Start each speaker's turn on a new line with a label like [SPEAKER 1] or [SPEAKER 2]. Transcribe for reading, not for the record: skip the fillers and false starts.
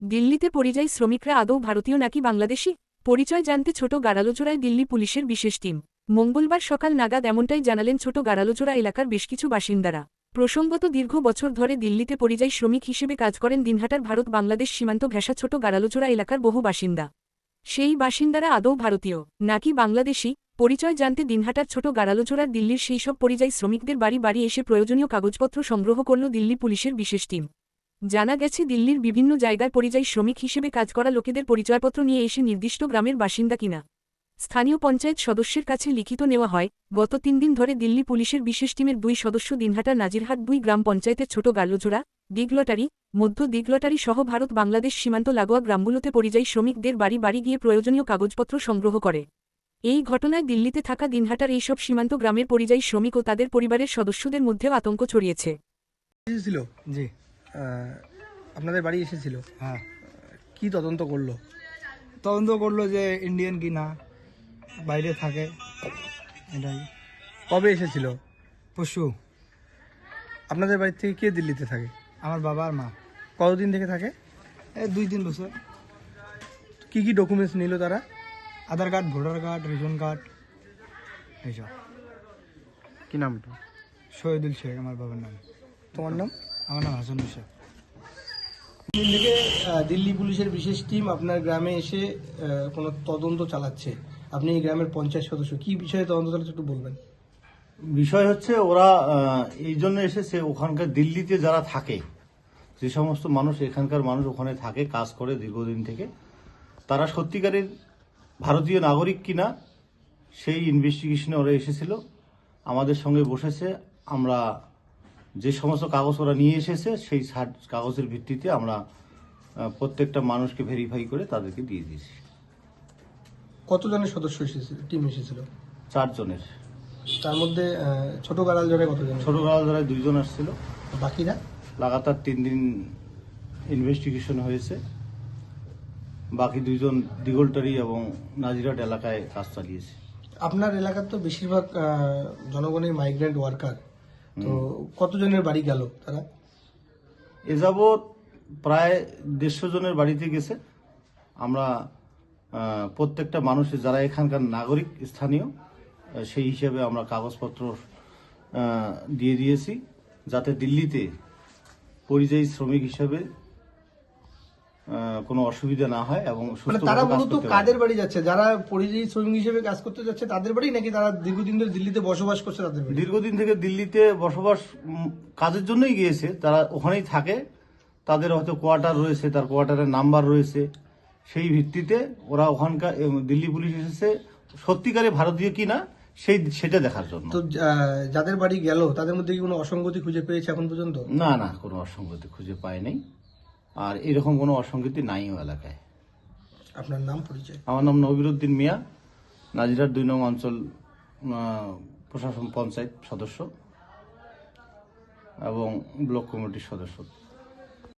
[SPEAKER 1] দিল্লিতে পরিযায়ী শ্রমিকরা আদৌ ভারতীয় নাকি বাংলাদেশি? পরিচয় জানতে ছোট গাড়ালোচড়ায় দিল্লি পুলিশের বিশেষ টিম। মঙ্গলবার সকাল নাগাদ এমনটাই জানালেন ছোট গাড়ালোচড়া এলাকার বেশ কিছু বাসিন্দারা। প্রসঙ্গত, দীর্ঘ বছর ধরে দিল্লিতে পরিযায়ী শ্রমিক হিসেবে কাজ করেন দিনহাটার ভারত বাংলাদেশ সীমান্ত ঘেঁষা ছোট গাড়ালোচড়া এলাকার বহু বাসিন্দা। সেই বাসিন্দারা আদৌ ভারতীয় নাকি বাংলাদেশি, পরিচয় জানতে দিনহাটার ছোট গাড়ালোচড়ার দিল্লির সেই সব পরিযায়ী শ্রমিকদের বাড়ি বাড়ি এসে প্রয়োজনীয় কাগজপত্র সংগ্রহ করল দিল্লি পুলিশের বিশেষ টিম। জানা গেছে, দিল্লির বিভিন্ন জায়গায় পরিযায়ী শ্রমিক হিসেবে কাজ করা লোকেদের পরিচয়পত্র নিয়ে এসে নির্দিষ্ট গ্রামের বাসিন্দা কিনা স্থানীয় পঞ্চায়েত সদস্যের কাছে লিখিত নেওয়া হয়। গত 3 দিন ধরে দিল্লি পুলিশের বিশেষ টিমের 2 সদস্য দিনহাটা নাজিরহাট 2 গ্রাম পঞ্চায়েতের ছোট গাড়ালোচড়া, দিগলটারি, মধ্য দিগলটারি সহ ভারত বাংলাদেশ সীমান্ত লাগোয়া গ্রামগুলোতে পরিযায়ী শ্রমিকদের বাড়ি বাড়ি গিয়ে প্রয়োজনীয় কাগজপত্র সংগ্রহ করে। এই ঘটনায় দিল্লিতে থাকা দিনহাটার এইসব সীমান্ত গ্রামের পরিযায়ী শ্রমিক ও তাদের পরিবারের সদস্যদের মধ্যেও আতঙ্ক ছড়িয়েছে।
[SPEAKER 2] এসেছিল
[SPEAKER 3] জি।
[SPEAKER 2] আপনাদের বাড়ি এসেছিল,
[SPEAKER 3] হ্যাঁ,
[SPEAKER 2] কি তদন্ত করলো?
[SPEAKER 3] তদন্ত করলো যে ইন্ডিয়ান কি না, বাইরে থাকে, এটাই।
[SPEAKER 2] কবে এসেছিল?
[SPEAKER 3] পশু।
[SPEAKER 2] আপনাদের বাড়ি থেকে কে দিল্লিতে থাকে?
[SPEAKER 3] আমার বাবা আর মা।
[SPEAKER 2] কতদিন থেকে থাকে?
[SPEAKER 3] এই 2-3 বছর।
[SPEAKER 2] কি কি ডকুমেন্টস নিল তারা?
[SPEAKER 3] Aadhaar card, voter card, ration card, এইসব।
[SPEAKER 2] কি নামটা?
[SPEAKER 3] শহীদুল শেখ আমার বাবার নাম।
[SPEAKER 2] তোমার নাম?
[SPEAKER 3] আমার নাম হাসান শেখ।
[SPEAKER 2] দিন থেকে দিল্লি পুলিশের বিশেষ টিম আপনার গ্রামে এসে কোনো তদন্ত চালাচ্ছে। আপনি এই গ্রামের পঞ্চায়েত সদস্য, কি বিষয়ে তদন্ত চালাচ্ছে একটু বলবেন?
[SPEAKER 4] বিষয় হচ্ছে ওরা এই জন্য এসেছে, ওখানকার দিল্লিতে যারা থাকে, যে সমস্ত মানুষ, এখানকার মানুষ ওখানে থাকে, কাজ করে দীর্ঘদিন থেকে, তারা সত্যিকারের ভারতীয় নাগরিক কিনা সেই ইনভেস্টিগেশনে ওরা এসেছিল। আমাদের সঙ্গে বসেছে, আমরা যে সমস্ত কাগজ ওরা নিয়ে এসেছে সেই কাগজের ভিত্তিতে আমরা প্রত্যেকটা মানুষকে ভেরিফাই করে তাদেরকে দিয়ে দিয়েছি।
[SPEAKER 2] কতজনের সদস্য এসেছিল, টিম এসেছিল?
[SPEAKER 4] 4 জনের।
[SPEAKER 2] তার মধ্যে ছোট গাড়ালজোড়ায় কতজন?
[SPEAKER 4] ছোট গাড়ালজোড়ায় 2 জন আসছিল।
[SPEAKER 2] বাকিরা?
[SPEAKER 4] লাগাতার 3 দিন ইনভেস্টিগেশন হয়েছে। বাকি 2 জন দিগলটারি এবং নাজিরহাট এলাকায় কাজ চালিয়েছে।
[SPEAKER 2] আপনার এলাকার তো বেশিরভাগ জনগণের মাইগ্রেন্ট ওয়ার্কার, তো কতজনের বাড়ি গেল তারা?
[SPEAKER 4] এ যাবৎ প্রায় 150 জনের বাড়িতে গেছে। আমরা প্রত্যেকটা মানুষের যারা এখানকার নাগরিক স্থানীয়, সেই হিসেবে আমরা কাগজপত্র দিয়ে দিয়েছি, যাতে দিল্লিতে পরিযায়ী শ্রমিক হিসেবে কোনো অসুবিধা না হয় এবং
[SPEAKER 2] তারা মূলত কাদের বাড়ি যাচ্ছে? যারা পরিযায়ী শ্রমিক হিসেবে কাজ করতে যাচ্ছে তাদের বাড়ি, নাকি তারা দীর্ঘদিন ধরে দিল্লিতে বসবাস করছে তাদের বাড়ি?
[SPEAKER 4] দীর্ঘদিন থেকে দিল্লিতে বসবাস কাজের জন্যই গিয়েছে, তারা ওখানেই থাকে, তাদের হয়তো কোয়ার্টার রয়েছে, তার কোয়ার্টারের নাম্বার রয়েছে, সেই ভিত্তিতে ওরা ওখানকার দিল্লি পুলিশ এসেছে সত্যিকারে ভারতীয় কিনা সেটা দেখার জন্য।
[SPEAKER 2] তো যাদের বাড়ি গেল তাদের মধ্যে কি কোনো অসঙ্গতি খুঁজে পেয়েছে এখন পর্যন্ত?
[SPEAKER 4] না না, কোনো অসঙ্গতি খুঁজে পায় নাই, আর এরকম কোনো অসঙ্গতি নাইও এলাকায়।
[SPEAKER 2] আপনার নাম, পরিচয়?
[SPEAKER 4] আমার নাম নবিরুদ্দিন মিয়া, নাজিরহাট 2 নং অঞ্চল প্রশাসন পঞ্চায়েত সদস্য এবং ব্লক কমিটির সদস্য।